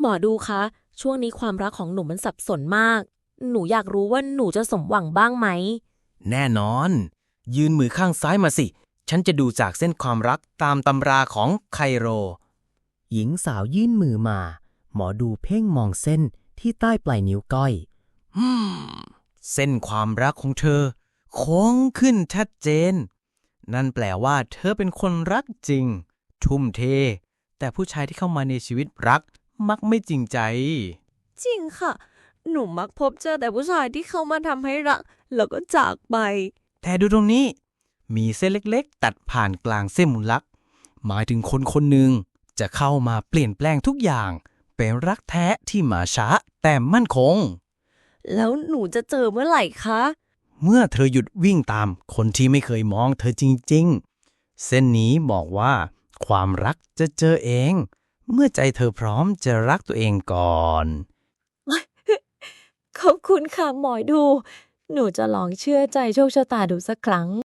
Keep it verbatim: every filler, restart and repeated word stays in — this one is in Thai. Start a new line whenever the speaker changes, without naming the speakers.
อดูคะช่วงนี้ความรักของหนูมันสับสนมากหนูอยากรู้ว่าหนูจะสมหวังบ้างไหม
แน่นอนยืนมือข้างซ้ายมาสิฉันจะดูจากเส้นความรักตามตำราของไคโร
หญิงสาวยื่นมือมาหมอดูเพ่งมองเส้นที่ใต้ปลายนิ้วก้อย
อืมเส้นความรักของเธอโค้งขึ้นชัดเจนนั่นแปลว่าเธอเป็นคนรักจริงทุ่มเทแต่ผู้ชายที่เข้ามาในชีวิตรักมักไม่จริงใจ
จริงค่ะหนูมักพบเจอแต่ผู้ชายที่เข้ามาทำให้รักแล้วก็จากไป
แต่ดูตรงนี้มีเส้นเล็กๆตัดผ่านกลางเส้นมุนลักหมายถึงคนคนหนึ่งจะเข้ามาเปลี่ยนแปลงทุกอย่างเป็นรักแท้ที่มาช้าแต่มั่นคง
แล้วหนูจะเจอเมื่อไหร่คะ
เมื่อเธอหยุดวิ่งตามคนที่ไม่เคยมองเธอจริงๆเส้นนี้บอกว่าความรักจะเจอเองเมื่อใจเธอพร้อมจะรักตัวเองก่อน
ขอบคุณค่ะหมอดูหนูจะลองเชื่อใจโชคชะตาดูสักครั้ง